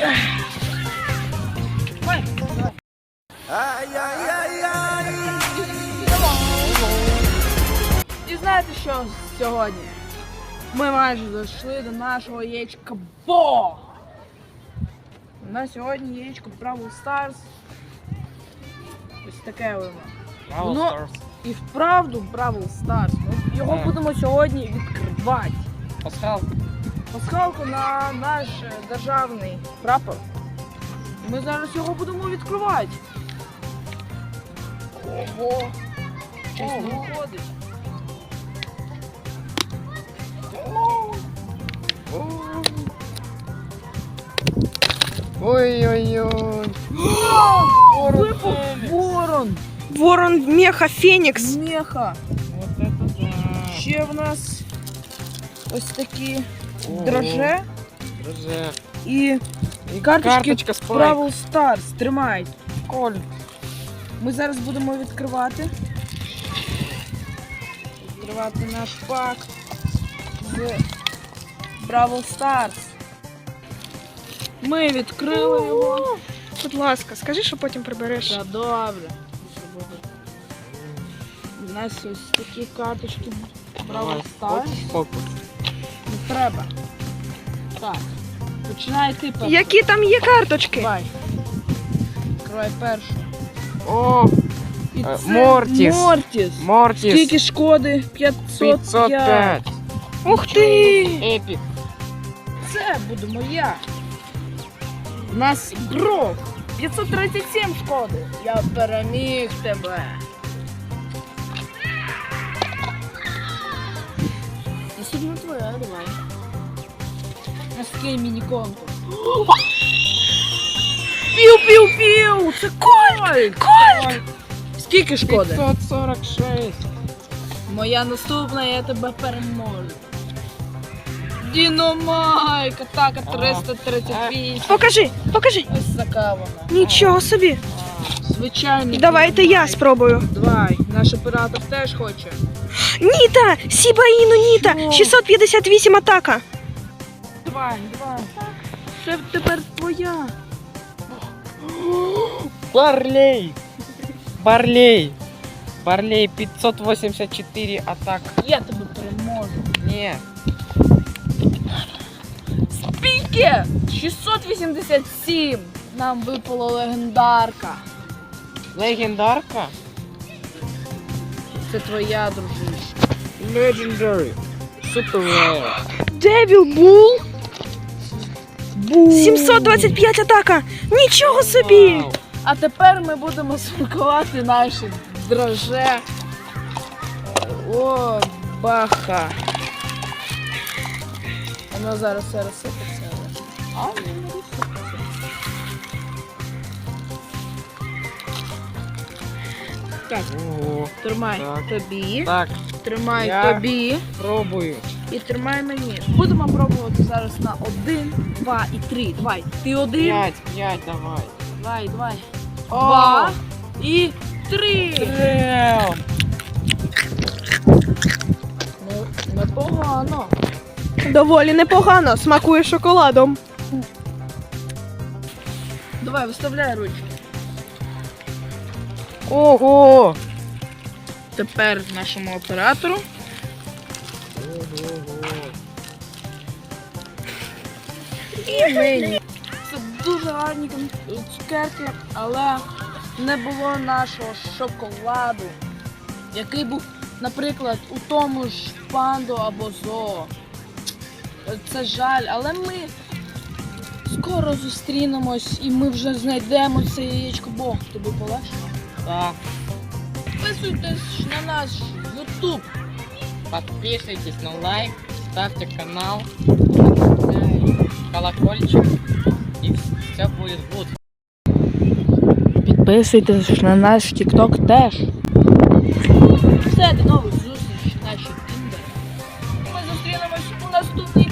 І знаєте що сьогодні? Ми майже дійшли до нашого яєчка Бо! На сьогодні яєчко Бравл Старс. Ось таке воно. І вправду Бравл Старс. Ми його будемо сьогодні відкривати. Пасхалку на наш державний прапор. Ми зараз його будемо відкривати. Ого! Щось не виходить. Ой-ой-ой. Випав ворон. Ворон меха Фенікс. Меха. Вот это да. Ще в нас ось такі дроже і карточки з Бравл Старс. Тримай. Коль. Ми зараз будемо відкривати. Відкривати наш пак з Бравл Старс. Ми відкрили його. Будь ласка, скажи, що потім прибереш. Та добре. У нас ось такі карточки Бравл Старс. Не треба. Так. Починай ти перший. Які там є карточки? Давай. Відкривай першу. О, І це Мортіс. Мортіс. Скільки шкоди? 505. 505. Ух ти! Епік. Це буду моя. У нас Брок. 537 шкоди. Я переміг тебе. Наступна твоя, давай. Наскільки міні-конкурс. Пів-пів-пів! Це Кольт! Кольт! Скільки шкоди? 546. Моя наступна, я тебе переможу. Діномайк, атака 338. Покажи. Ось така вона. Нічого собі. Звичайний. Давайте я Діномайк. спробую. Давай, наш оператор теж хоче. Ніта! Сібаїну Ніта! Що? 658 атака. Давай. Це тепер твоя. Барлей 584 атак. Я тебе переможу. Ні. Скільки? 687. Нам випала легендарка. Легендарка? Це твоя, дружище. Legendary. Super rare. Девіл Бул. 725 атака. Нічого собі. Вау. А тепер ми будемо смакувати наші дроже. О, баха. Воно зараз все розсипеться. А, не розсипеться. Так, Ого. тримай Так. тобі, Так, тримай Я- тобі пробую. і тримай мені. Будемо пробувати зараз на 1, 2 і 3. Давай, ти 1, 5, давай. давай. 2 і 3. Трем. Ну, непогано. Доволі непогано. Смакує шоколадом. Давай, виставляй ручки. Ого. Тепер нашому оператору. І мені. Це дуже гарні цукерки, але не було нашого шоколаду, який був, наприклад, у тому ж Пандо або Зоо. Це жаль, але ми скоро зустрінемось і ми вже знайдемо це яєчко. Бог, тобі полегше? Так. Підписуйтесь на наш YouTube. Подписывайтесь на лайк, ставьте канал, колокольчик, и все будет good. Підписуйтесь на наш TikTok теж. Все, до нових зустрічей, наші кіндери. Ми зустрінемось у наступній